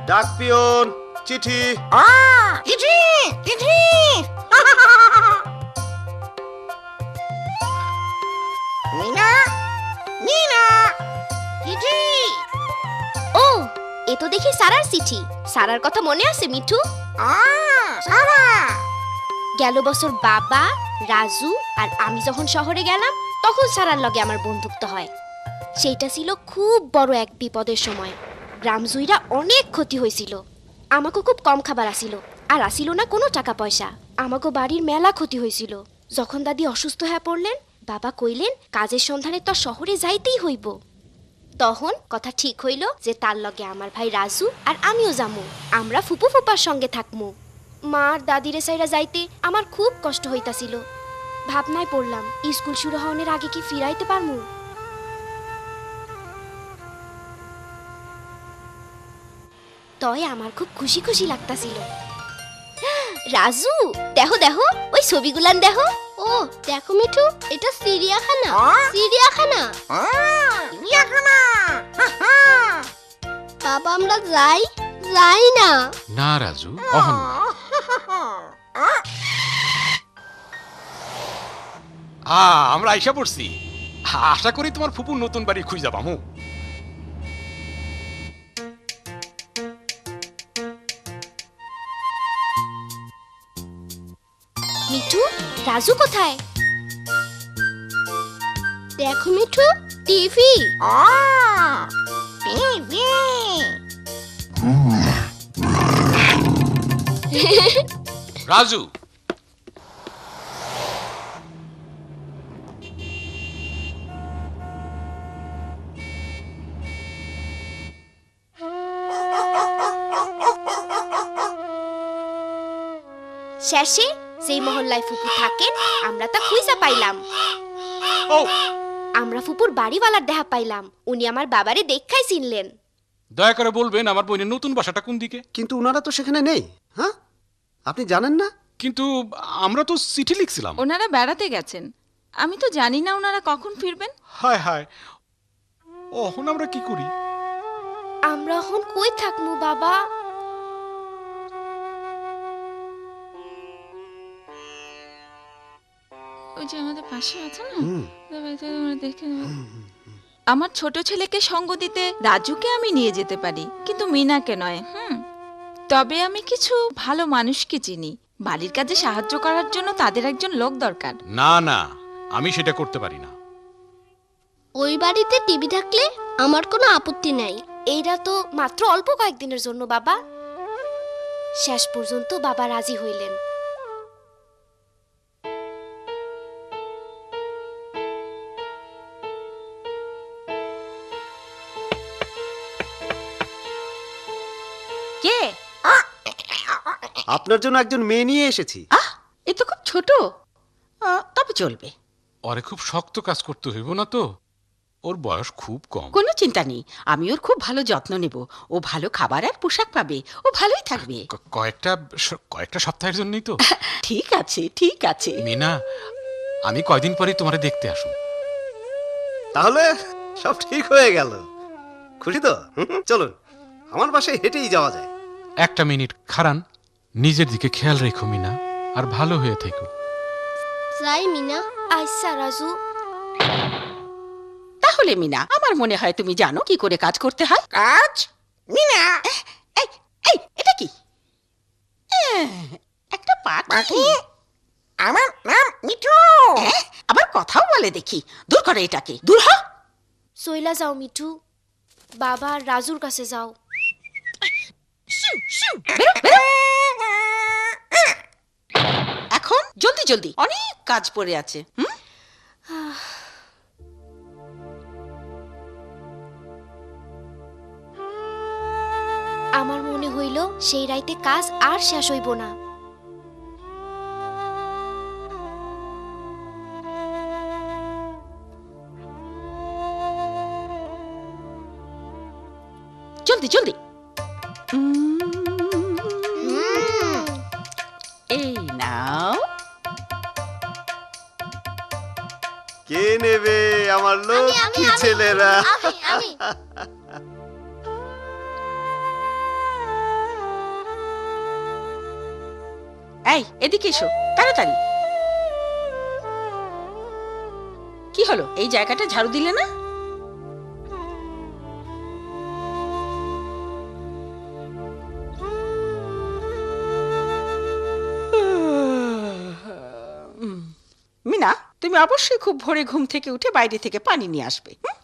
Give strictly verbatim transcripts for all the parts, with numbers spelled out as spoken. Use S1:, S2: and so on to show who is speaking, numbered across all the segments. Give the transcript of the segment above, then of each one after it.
S1: ডাক পিয়ন, চিঠি।
S2: চিঠি চিঠি। মিনা মিনা চিঠি।
S3: ও, এ তো দেখি সারার চিঠি। সারার কথা মনে আছে মিঠু?
S2: সারা।
S3: গেল বছর বাবা, রাজু আর আমি যখন শহরে গেলাম তখন সারার লগে আমার বন্ধুত্ব হয়। সেইটা ছিল খুব বড় এক বিপদের সময়। গ্রাম জুইরা অনেক ক্ষতি হয়েছিল। আমাকে খুব কম খাবার আসিল, আর আসিল না কোনো টাকা পয়সা। আমাকে বাড়ির মেলা ক্ষতি হয়েছিল। যখন দাদি অসুস্থ হয়ে পড়লেন, বাবা কইলেন কাজের সন্ধানে তো শহরে যাইতেই হইব। তখন কথা ঠিক হইল যে তার লগে আমার ভাই রাজু আর আমিও যামু। আমরা ফুপু ফুপার সঙ্গে থাকমু। মার দাদিরে সাইরা যাইতে আমার খুব কষ্ট হইতাছিল। ভাবনায় পড়লাম স্কুল শুরু হওয়ার আগে কি ফিরাইতে পারমু। তয় আমার খুব খুশি খুশি লাগতাছিল। রাজু, দেখো দেখো ওই ছবিগুলান দেখো। ও দেখো মিঠু, এটা চিড়িয়াখানা। চিড়িয়াখানা
S2: চিড়িয়াখানা।
S3: বাবা, আমরা যাই যাই না।
S4: না রাজু, অহন না। আ আমরা আইসা পড়ছি। আশা করি তোমার ফুপুর নতুন বাড়ি খুঁজা পামু।
S3: মিঠু, রাজু কোথায়? দেখো মিঠু, টিভি।
S2: টিভি।
S4: রাজু,
S3: শেষে সেই মহল্লায় ফুপু থাকেন আমরা তা খুঁজা পাইলাম।
S4: ও
S3: আমরা ফুপুর বাড়িওয়ালার দেখা পাইলাম। উনি আমার বাবারে দেখাই চিনলেন।
S4: দয়া করে বলবেন আমার বোনের নতুন বাসাটা কোন দিকে?
S1: কিন্তু ওনারা তো সেখানে নেই। হ্যাঁ, আপনি জানেন না?
S4: কিন্তু আমরা তো চিঠি লিখছিলাম।
S5: ওনারা বেড়াতে গেছেন, আমি তো জানি না ওনারা কখন ফিরবেন।
S4: হায় হায়, অহন আমরা কি করি?
S3: আমরা এখন কই থাকমু বাবা?
S5: ওই যে আমাদের পাশে আছে না, দেখে আমার ছোট ছেলেকে সঙ্গ দিতে রাজুকে আমি নিয়ে যেতে পারি, কিন্তু মিনাকে নয়। হুম, তবে আমি কিছু ভালো মানুষকে চিনি। বাড়ির কাজে সাহায্য করার জন্য তাদের একজন লোক দরকার।
S4: না না, আমি সেটা করতে পারি না।
S3: ওই বাড়িতে টিভি থাকলে আমার কোনো আপত্তি নাই। এইটা তো মাত্র অল্প কয়েকদিনের জন্য বাবা। শেষ পর্যন্ত বাবা রাজি হইলেন।
S6: কে?
S1: আপনার জন্য একজন মেয়ে নিয়ে এসেছি।
S6: আহ, এ তো খুব ছোট। আহ, তবে চলবে।
S4: ওরে খুব শক্ত কাজ করতে হইব না তো, ওর বয়স খুব কম।
S6: কোনো চিন্তা নেই, আমি ওর খুব ভালো যত্ন নেব। ও ভালো খাবার আর পোশাক পাবে, ও ভালোই থাকবে।
S4: ক- কয়েকটা স- কয়েকটা সপ্তাহের জন্যই তো।
S6: ঠিক আছে ঠিক আছে।
S4: মিনা, আমি কয়দিন পরে তোমারে দেখতে আসুন।
S1: তাহলে সব ঠিক হয়ে গেল। খুশি তো? হুম, চলুন, আমার বাসায় হেঁটেই যাওয়া যায়।
S4: একটা মিনিট খারান, নিজের দিকে খেয়াল রেখো মিনা, আর ভালো হয়ে থেকো।
S3: যাই মিনা। আচ্ছা রাজু।
S6: তাহলে মিনা, আমার মনে হয় তুমি জানো কি করে কাজ করতে হয়।
S2: কাজ। মিনা।
S6: এই এই এটা কি? এহ, একটা পাখি।
S2: পাখি। আমার নাম মিঠু।
S6: এহ, আবার কথাও বলে দেখি। দূর করে এটাকে, দূর হ।
S3: সইলা যাও মিঠু, বাবা আর রাজুর কাছে যাও।
S6: বেরো, বেরো। এখন জলদি জলদি, অনেক কাজ পড়ে আছে। হুম,
S3: আমার মনে হইল সেই রাইতে কাজ আর শেষ হইব না।
S6: জলদি জলদি। এই নাও।
S1: কে নেবে আমার লক্ষ্মী ছেলেরা?
S6: এই এদিকে এসো তাড়াতাড়ি। কি হলো, এই জায়গাটা ঝাড়ু দিলে না? মিনা, তুমি অবশ্যই খুব ভোরে ঘুম থেকে উঠে বাইরে থেকে পানি নিয়ে আসবে। হুম?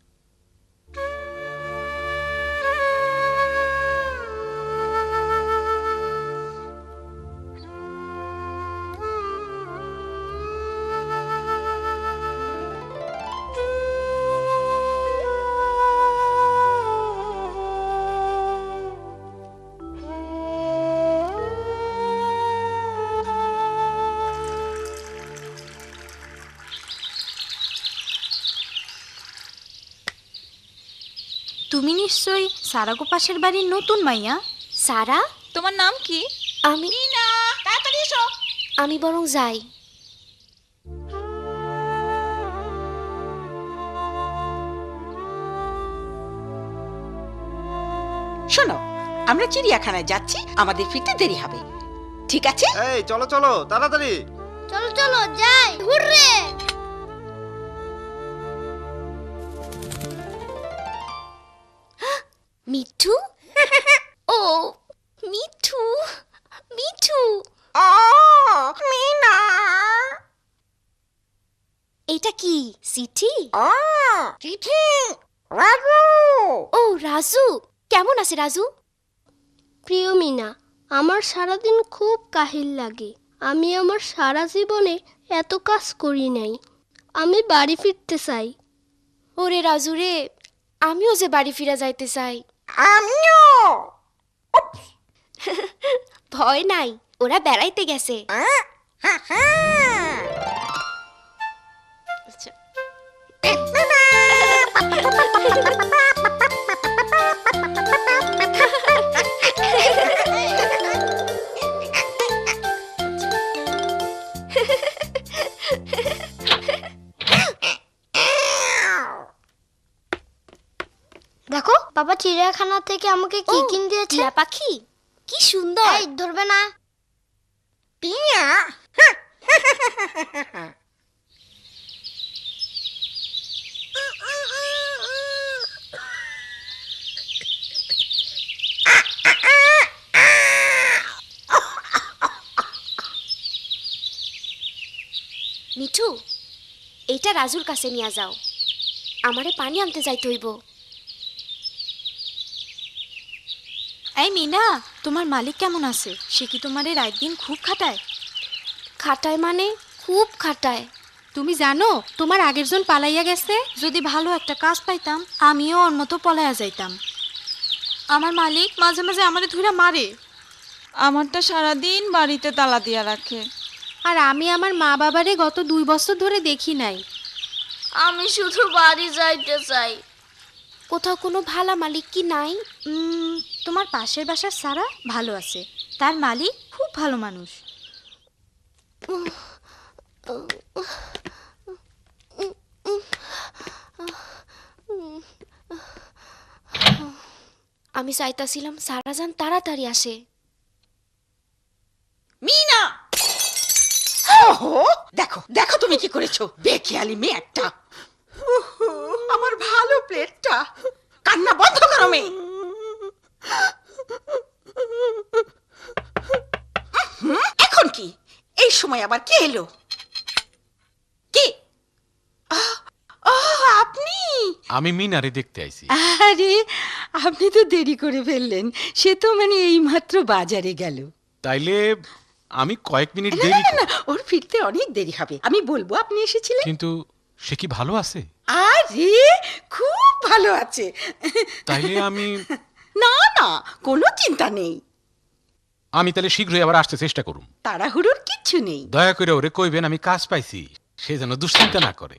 S7: তুমি নিশ্চয়ই সারাগো পাশের বাড়ির নতুন মাইয়া?
S3: সারা,
S5: তোমার নাম কি?
S3: আমি
S6: মিনা, তাড়াতাড়ি এসো।
S3: আমি বরং যাই।
S6: শোনো, আমরা চিড়িয়াখানায় যাচ্ছি, আমাদের ফিরতে দেরি হবে, ঠিক আছে?
S1: এই চলো চলো তাড়াতাড়ি।
S3: চলো চলো যাই, হুররে। মিঠু, ও মিঠু, মিঠু,
S2: ও মিনা,
S3: এটা কি চিঠি?
S2: ও চিঠি রাজু।
S3: ও রাজু, কেমন আছে রাজু?
S8: প্রিয় মিনা, আমার সারাদিন খুব কাহিল লাগে। আমি আমার সারা জীবনে এত কাজ করি নাই। আমি বাড়ি ফিরতে চাই।
S3: ওরে রাজু রে, আমিও যে বাড়ি ফিরা যাইতে চাই।
S2: আমিও।
S3: ভয় নাই, ওরা বেড়াইতে গেছে।
S2: হ্যাঁ, হ্যাঁ, হ্যাঁ।
S8: দেখো, বাবা চিড়িয়াখানা থেকে আমাকে কি
S3: ও,
S8: কিনে দিয়েছে।
S3: টিয়া পাখি, কি সুন্দর।
S8: এই ধরবে না।
S2: টিয়া।
S3: মিঠু, এইটা রাজুর কাছে নিয়ে যাও, আমারে পানি আনতে যাইতে হইব।
S7: এই মিনা, তোমার মালিক কেমন আছে? সে কি তোমারে রাত দিন খুব খাটায়?
S3: খাটায় মানে খুব খাটায়।
S7: তুমি জানো তোমার আগের জন পালাইয়া গেছে? যদি ভালো একটা কাজ পাইতাম আমিও ওর মতো পলাইয়া যাইতাম। আমার মালিক মাঝে মাঝে আমারে ধুইরা মারে।
S5: আমারটা সারাদিন বাড়িতে তালা দিয়া রাখে।
S7: আর আমি আমার মা বাবারে গত দুই বছর ধরে দেখি নাই।
S8: আমি শুধু বাড়ি যাইতে চাই।
S3: কোথাও কোনো ভালা মালিক কি নাই?
S7: উম, তোমার পাশের বাসার সারা ভালো আছে, তার মালিক খুব ভালো মানুষ।
S3: আমি চাইতাছিলাম সারাজান তাড়াতাড়ি আসে।
S6: মিনা, ওহো, দেখো দেখো তুমি কি করেছো, বেখেয়ালি মেয়ে একটা। উহু, আমার ভালো প্লেটটা। কান্না বন্ধ করো মেয়ে। হুম, এখন কি এই সময় আবার কে এলো? কি? আহ, আহ, আপনি?
S4: আমি মিনারে দেখতে আইছি।
S6: আরে, আপনি তো দেরি করে ফেললেন। সে তো মানে এইমাত্র বাজারে গেল।
S4: তাইলে আমি কয়েক মিনিট
S6: না
S4: দেরি
S6: না
S4: কর-
S6: না, ওর ফিরতে অনেক দেরি হবে। আমি বলবো আপনি এসেছিলেন।
S4: কিন্তু সে কি ভালো আছে?
S6: আরে, খুব ভালো আছে।
S4: তাইলে আমি
S6: না না, কোনো চিন্তা নেই।
S4: আমি তাহলে শীঘ্রই আবার আসতে চেষ্টা করুম।
S6: তাড়াহুড়োর কিচ্ছু নেই।
S4: দয়া করে ওরে কইবেন আমি কাজ পাইছি, সে যেন দুশ্চিন্তা না করে।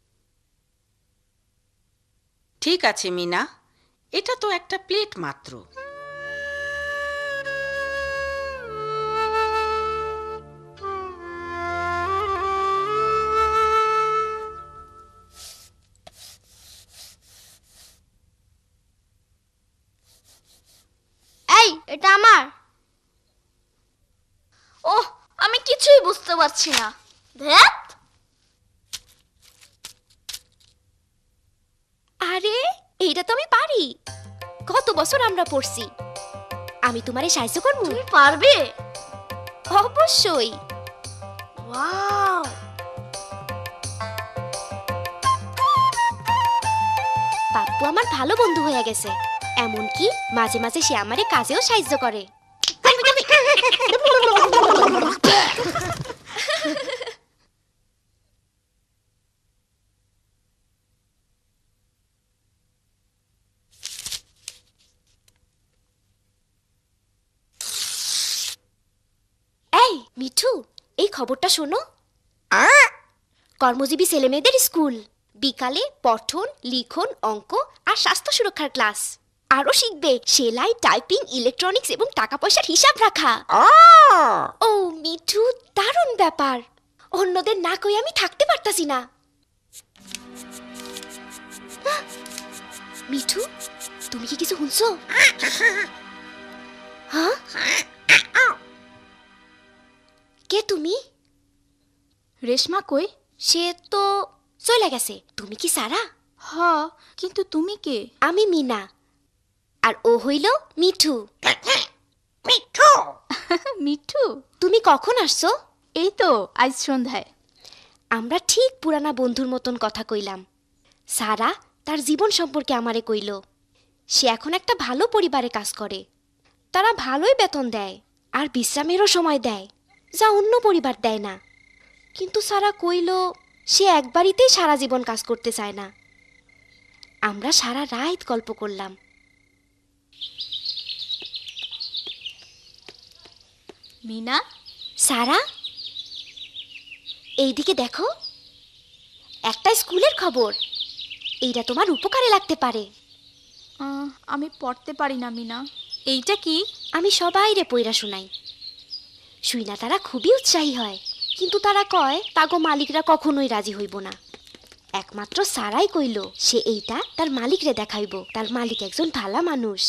S6: ঠিক আছে মিনা, এটা তো একটা প্লেট মাত্র।
S8: এই, এটা আমার। ওহ,
S7: বুঝতে পারছি না।
S8: ধ্যাত,
S3: আরে এইটা তো আমি পারি, কত বছর আমরা পড়ছি। আমি তোমারে সাহায্য করবো?
S8: তুমি পারবে?
S3: অবশ্যই।
S8: ওয়াও,
S3: পাপ্পু আমার ভালো বন্ধু হয়ে গেছে, এমনকি মাঝে মাঝে সে আমারে কাজেও সাহায্য করে। এই মিঠু, এই খবরটা শোনো। কর্মজীবী ছেলেমেয়েদের স্কুল, বিকালে পঠন, লিখন, অঙ্ক আর স্বাস্থ্য সুরক্ষার ক্লাস। আরো শিখবে সেলাই, টাইপিং, ইলেকট্রনিক্স এবং টাকা পয়সার হিসাব রাখা। ও মিঠু, দারুণ ব্যাপার। অন্যদের না কই আমি থাকতে পারতাছি না। মিঠু, তুমি কি কিছু শুনছো? হ্যাঁ, কে তুমি?
S7: রেশমা কই?
S3: সে তো চলে গেছে। তুমি কি সারা?
S7: হ, কিন্তু তুমি কে?
S3: আমি মিনা, আর ও হইল মিঠু।
S2: মিঠু,
S7: মিঠু?
S3: তুমি কখন আসছো?
S7: এই তো আজ সন্ধ্যায়।
S3: আমরা ঠিক পুরানা বন্ধুর মতন কথা কইলাম। সারা তার জীবন সম্পর্কে আমারে কইল। সে এখন একটা ভালো পরিবারে কাজ করে। তারা ভালোই বেতন দেয় আর বিশ্রামেরও সময় দেয়, যা অন্য পরিবার দেয় না। কিন্তু সারা কইল সে একবারিতেই সারা জীবন কাজ করতে চায় না। আমরা সারা রাত গল্প করলাম।
S7: মিনা?
S3: সারা, এইদিকে দেখো, একটা স্কুলের খবর। এইটা তোমার উপকারে লাগতে পারে।
S7: আহ, আমি পড়তে পারি না মিনা। এইটা কি?
S3: আমি সবাইরে পইরা শুনাই। শুইনা তারা খুবই উৎসাহী হয়, কিন্তু তারা কয় তাগো মালিকরা কখনোই রাজি হইব না। একমাত্র সারাই কইল সে এইটা তার মালিকরে দেখাইব। তার মালিক একজন ভালা মানুষ।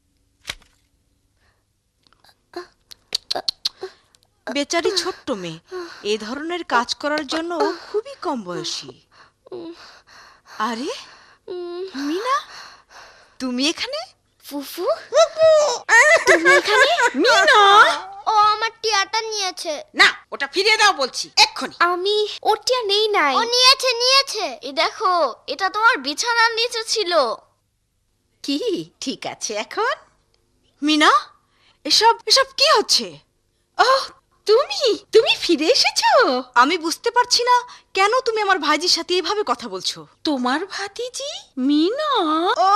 S6: বেচারি ছোট্ট মেয়ে, এ ধরনের কাজ করার জন্য ও খুবই কম বয়সী। আরে মিনা, তুমি এখানে?
S3: ফুফু, তুমি এখানে?
S6: মিনা!
S8: ও আমার টিয়াটা নিয়েছে।
S6: না, ওটা ফিরিয়ে দাও বলছি এক্ষুনি।
S3: আমি ওটিয়া নেই নাই।
S8: ও নিয়েছে নিয়েছে।
S7: এই দেখো, এটা তোমার বিছানার নিচে ছিল।
S6: কি ঠিক আছে এখন? মিনা, এসব এসব কি হচ্ছে? ওহ, তুমি তুমি ফিরে এসেছো। আমি বুঝতে পারছি না কেন তুমি আমার ভাইজির সাথে এভাবে কথা বলছো। তোমার ভাতিজি মিনা? ও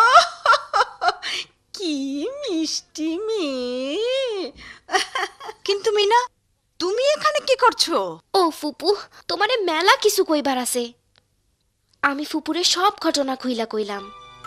S6: কি মিষ্টি মেয়ে। কিন্তু মিনা, তুমি এখানে কি করছো?
S3: ও ফুপু, তোমারে মেলা কিছু কইবার আছে। আমি ফুপুরে সব ঘটনা খুইলা কইলাম,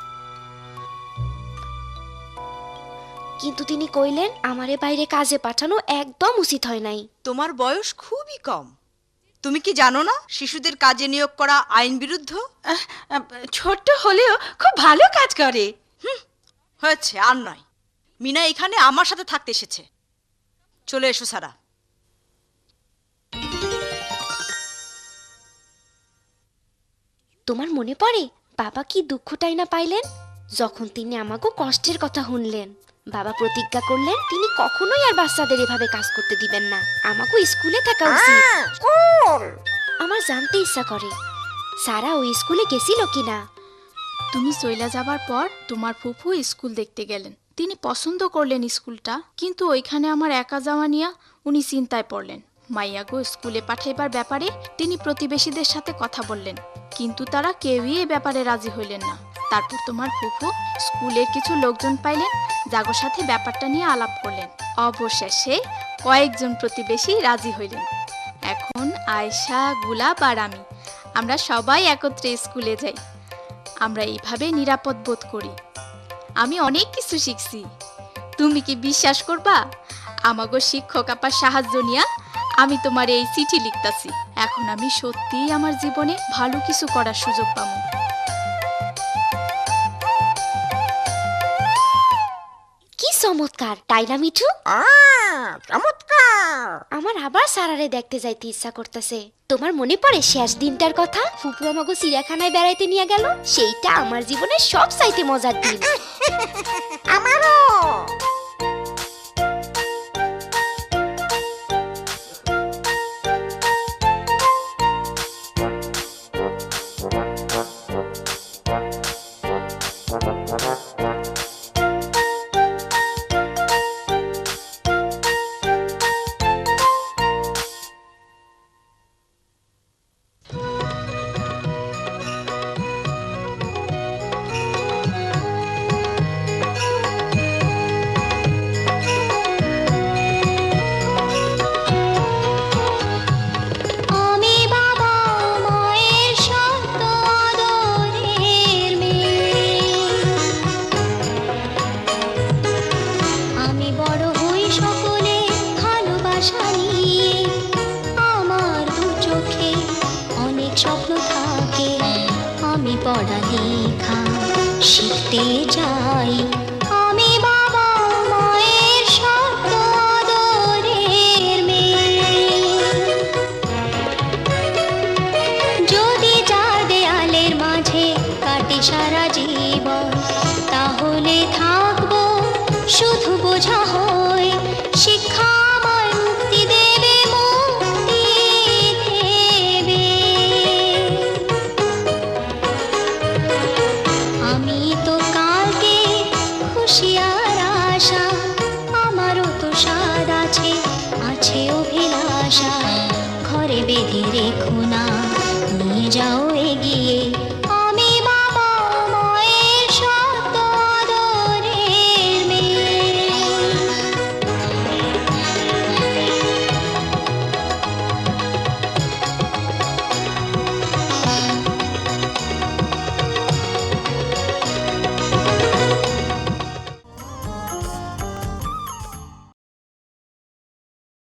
S3: কিন্তু তিনি কইলেন আমারে বাইরে কাজে পাঠানো একদম উচিত হয় নাই।
S6: তোমার বয়স খুবই কম। তুমি কি জানো না শিশুদের কাজে নিয়োগ করা আইন বিরুদ্ধ? ছোট হলেও খুব ভালো কাজ করে। হুম, হয়েছে, আর নয়। মিনা এখানে আমার সাথে থাকতে এসেছে। চলে এসো সারা।
S3: তোমার মনে পড়ে বাবা কি দুঃখটাই না পাইলেন যখন তিনি আমাকে কষ্টের কথা শুনলেন। বাবা প্রতিজ্ঞা করলেন তিনি কখনোই আর বাচ্চাদের এভাবে কাজ করতে দিবেন না। আমাকে স্কুলে থাকা উচিত।
S2: স্কুল,
S3: আমার জানতে ইচ্ছা করে সারা ওই স্কুলে গেছিল কিনা।
S7: তুমি চইলা যাবার পর তোমার ফুফু স্কুল দেখতে গেলেন। তিনি পছন্দ করলেন স্কুলটা, কিন্তু ওইখানে আমার একা যাওয়া নিয়া উনি চিন্তায় পড়লেন। মাইয়াগো স্কুলে পাঠাইবার ব্যাপারে তিনি প্রতিবেশীদের সাথে কথা বললেন, কিন্তু তারা কেউই এ ব্যাপারে রাজি হইলেন না। তারপর তোমার ফুফু স্কুলের কিছু লোকজন পাইলেন, যাগোর সাথে ব্যাপারটা নিয়ে আলাপ করলেন। অবশেষে কয়েকজন প্রতিবেশী রাজি হইলেন। এখন আয়শা, গুলাব আর আমি, আমরা সবাই একত্রে স্কুলে যাই। আমরা এইভাবে নিরাপদ বোধ করি। আমি অনেক কিছু শিখছি। তুমি কি বিশ্বাস করবা, আমাগো শিক্ষক আপার সাহায্য নিয়া আমি তোমার এই চিঠি লিখতাছি। এখন আমি সত্যিই আমার জীবনে ভালো কিছু করার সুযোগ পাবো।
S3: কি চমৎকার, তাই না মিঠু?
S2: আহ, চমৎকার।
S3: আমার আবার সারারে দেখতে যাইতে ইচ্ছা করতেছে। তোমার মনে পড়ে শেষ দিনটার কথা? ফুপু আমাকে চিড়িয়াখানায় বেড়াইতে নিয়ে গেল। সেইটা আমার জীবনের সব চাইতে মজার দিন।
S2: আমারও।
S8: আমি বাবা মায়ের সত্য আদরের মেয়ে। আমি বড় হই সকলে ভালোবাসা নিয়ে। আমার দু চোখে অনেক স্বপ্ন থাকে। আমি পড়ালেখা শিখতে চাই। আমি বাবা মায়ের সত্য আদরের মেয়ে। যদি চার দেয়ালের মাঝে কাটে সারা জীবন, তাহলে থাকবো শুধু বোঝা হয়ে। শিক্ষা আমায় মুক্তি দেবে, মুক্তি দেবে। আমি তো কালকে খুশি আর আশা। আমারও তো স্বাদ আছে, আছে অভিলাষা। ঘরে বেঁধে রেখো না, নিয়ে যাও এগিয়ে।